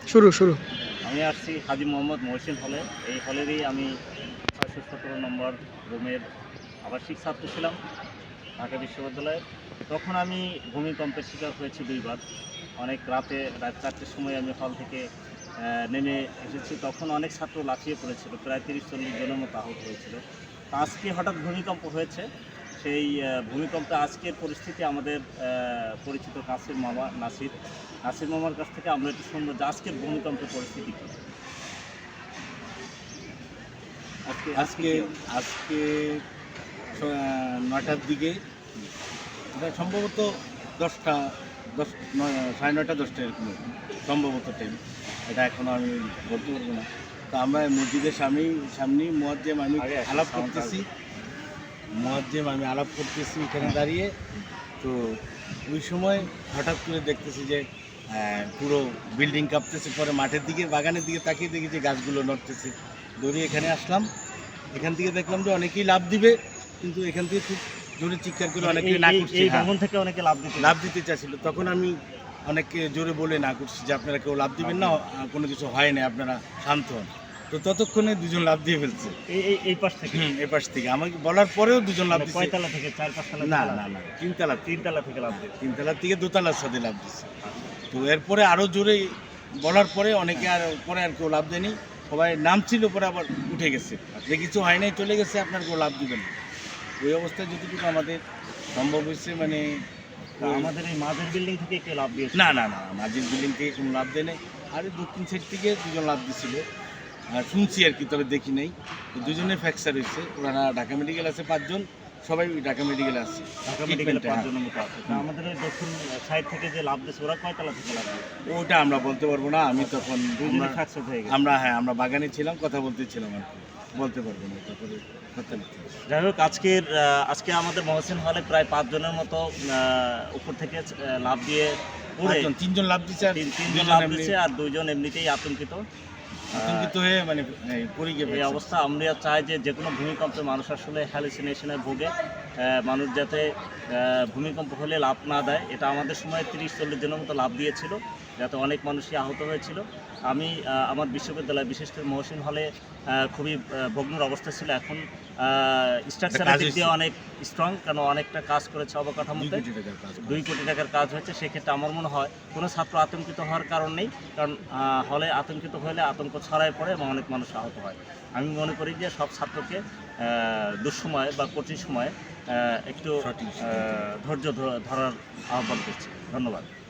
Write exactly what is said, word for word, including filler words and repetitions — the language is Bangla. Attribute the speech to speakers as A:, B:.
A: শুরু শুরু
B: আমি আসছি হাজী মোহাম্মদ মহসিন হলে। এই হলেরই আমি ছয়শো সতেরো নম্বর রুমের আবাসিক ছাত্র ছিলাম ঢাকা বিশ্ববিদ্যালয়ে। তখন আমি ভূমিকম্পের শিকার হয়েছি দুইবার। অনেক রাতে, রাত চারটের সময় আমি হল থেকে নেমে এসেছি। তখন অনেক ছাত্র লাফিয়ে পড়েছিল, প্রায় তিরিশ চল্লিশ জনের মতো আহত হয়েছিল। তো আজকে হঠাৎ ভূমিকম্প হয়েছে। সেই ভূমিকম্পে আজকের পরিস্থিতি আমাদের পরিচিত কাছের মামা নাসির নাসির মামার কাছ থেকে আমরা একটু শুনবো যে আজকের ভূমিকম্পের পরিস্থিতি কী।
C: আজকে আজকে আজকে নয়টার দিকে, এটা সম্ভবত দশটা দশ নয় সাড়ে নয়টা দশটা এরকম সম্ভবত টাইম, এটা এখনও আমি বলতে পারবো না। তো আমরা মসজিদের সামনে সামনে মুয়াজ্জেম আমি আলাপ করতেছি মুয়াজ্জেম আমি আলাপ করতেছি এখানে দাঁড়িয়ে। তো ওই সময় হঠাৎ করে দেখতেছি যে পুরো বিল্ডিং কাঁপতেছে। পরে মাঠের দিকে, বাগানের দিকে তাকিয়ে দেখি যে গাছগুলো নড়তেছে। দৌড়ে এখানে আসলাম। এখান থেকে দেখলাম যে অনেকেই লাভ দিবে, কিন্তু এখান থেকে খুব জোরে চিৎকার করে অনেকেই না করছে,
B: থেকে অনেকে লাভ দিতে
C: লাভ দিতে চাচ্ছিল। তখন আমি অনেককে জোরে বলে না করছি যে আপনারা কেউ লাভ দিবেন না, কোনো কিছু হয় না, আপনারা শান্ত হন। তো ততক্ষণে দুজন লাভ দিয়ে ফেলছে
B: এই পাশ থেকে।
C: হুম এই পাশ থেকে আমাকে বলার পরেও দুজন লাভ দিচ্ছে।
B: কয়তলা থেকে? চার পাঁচতলা?
C: না না না তিনতলা
B: তিনতলা থেকে লাভ দিচ্ছে।
C: তিনতলার থেকে দোতলার সাথে লাভ দিচ্ছে। তো এরপরে আরও জোরে বলার পরে অনেকে আর পরে আর কেউ লাভ দেয়নি, সবাই নামছিল, পরে আবার উঠে গেছে যে কিছু হয় নাই, চলে গেছে, আপনার কেউ লাভ দিবেন। ওই অবস্থায় যতটুকু আমাদের সম্ভব হয়েছে, মানে
B: আমাদের এই মাঝের বিল্ডিং থেকে কেউ লাভ দিয়েছে?
C: না না না মাঝের বিল্ডিং থেকে কোনো লাভ দেয় নাই। আর দক্ষিণ সাইড থেকে দুজন লাভ দিছিল, আর শুনছি আর কি, তবে দেখি নাই। দুজনে ফ্র্যাকচার হয়েছে। ওরা ঢাকা মেডিকেল আছে পাঁচজন, সবাই ঢাকা মেডিকেলে আছে।
B: ঢাকা মেডিকেলে পাঁচজনের মতো আছে। আমাদের এই দক্ষিণ সাইড থেকে যে লাভ দিয়েছে ওরা কয়তলা থেকে লাভ দিয়েছে?
C: ওটা আমরা বলতে পারবো না। আমি তখন
B: দুজনে ফ্র্যাকচার হয়ে গেছে।
C: আমরা হ্যাঁ আমরা বাগানে ছিলাম, কথা বলতেছিলাম আর কি, বলতে পারবো না। তারপরে
B: যাই হোক, আজকের আজকে আমাদের মহসিন হলে প্রায় পাঁচজনের মতো উপর থেকে লাভ দিয়ে পড়ে
C: তিনজন লাভ দিচ্ছে,
B: তিনজন লাভ দিচ্ছে, আর দুইজন এমনিতেই আতঙ্কিত
C: আতঙ্কিত হয়ে মানে পড়ে গিয়ে
B: এই অবস্থা। আমরা চাই যে যে কোনো ভূমিকম্পে মানুষ আসলে হ্যালুসিনেশনে ভোগে, মানুষ যাতে ভূমিকম্প হলে লাভ না দেয়। এটা আমাদের সময় তিরিশ চল্লিশ জনের মতো লাভ দিয়েছিল, যাতে অনেক মানুষই আহত হয়েছিল। আমি আমার বিশ্ববিদ্যালয়, বিশেষ করে মহসিন হলে খুবই ভগ্নর অবস্থা ছিল। এখন স্ট্রাকচারের দিক দিয়ে অনেক স্ট্রং, কেন অনেকটা কাজ করেছে অবকাঠামোতে, দুই কোটি টাকার কাজ হয়েছে। সেক্ষেত্রে আমার মনে হয় কোনো ছাত্র আতঙ্কিত হওয়ার কারণ নেই, কারণ হলে আতঙ্কিত হলে আতঙ্ক ছড়ায় পড়ে এবং অনেক মানুষ আহত হয়। আমি মনে করি যে সব ছাত্রকে দুঃসময়ে বা কঠিন সময়ে একটু ধৈর্য ধরার আহ্বান করছি। ধন্যবাদ।